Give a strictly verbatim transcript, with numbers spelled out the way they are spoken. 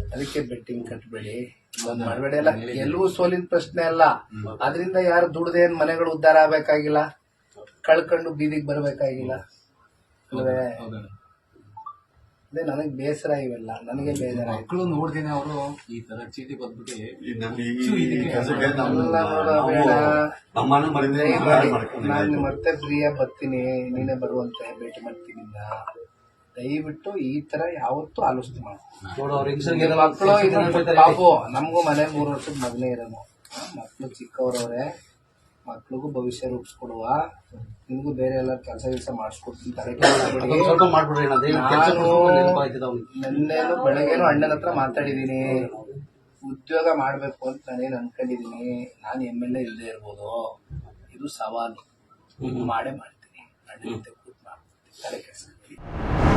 ಅದಕ್ಕೆ ಬೆಟ್ಟಿಂಗ್ ಕಟ್ಬೇಡಿ, ಮಾಡಬೇಡಿ. ಎಲ್ಲ ಗೆಲುವು ಸೋಲಿನ ಪ್ರಶ್ನೆ ಅಲ್ಲ. ಅದರಿಂದ ಯಾರು ದುಡ್ದೇನ್ ಮನೆಗಳು ಉದ್ಧಾರ ಆಗ್ಬೇಕಾಗಿಲ್ಲ, ಕಳ್ಕೊಂಡು ಬೀದಿಗೆ ಬರ್ಬೇಕಾಗಿಲ್ಲ ಅಲ್ವೇ? ಅದೇ ನನಗ್ ಬೇಸರ ಇವೆಲ್ಲ, ನನಗೆ ಬೇಜಾರ. ಮಕ್ಕಳು ನೋಡ್ದೇನೆ ಅವರು ಈ ತರ ಚೀಟಿ ಬಂದ್ಬಿಟ್ಟು ನಾನು ಮತ್ತೆ ಫ್ರೀಯಾಗಿ ಬರ್ತೀನಿ, ನೀನೇ ಬರುವಂತೆ ಭೇಟಿ ಮಾಡ್ತೀನಿ. ದಯವಿಟ್ಟು ಈ ತರ ಯಾವತ್ತೂ ಆಲೋಚನೆ ಮಾಡ್ತೀನಿ. ಮಕ್ಕಳು ಪಾಪು, ನಮಗೂ ಮನೆ ಮೂರು ವರ್ಷದ ಮಗನೇ ಇರೋನು, ಮಕ್ಕಳು ಚಿಕ್ಕವ್ರವ್ರೆ, ಮಕ್ಳಿಗೂ ಭವಿಷ್ಯ ರೂಪಿಸ್ಕೊಡುವ. ನಿಮ್ಗೂ ಬೇರೆ ಎಲ್ಲ ಕೆಲಸ ಕೆಲಸ ಮಾಡಿಸ್ಕೊಡ್ತೀನಿ. ತಲೆ ನಾನು ನೆನ್ನೆನು ಬೆಳಗ್ಗೆನು ಅಣ್ಣನ ಹತ್ರ ಮಾತಾಡಿದೀನಿ, ಉದ್ಯೋಗ ಮಾಡ್ಬೇಕು ಅಂತ ನಾನೇನು ಅನ್ಕೊಂಡಿದೀನಿ. ನಾನು ಎಮ್ ಎಲ್ ಎ ಇಲ್ಲದೆ ಇರ್ಬೋದು, ಇದು ಸವಾಲು, ಮಾಡೇ ಮಾಡ್ತೀನಿ. ಅಣ್ಣ ಜೊತೆ ಕೂತ್ ಮಾಡ್ತೀನಿ, ತಲೆ ಕೆಲಸ.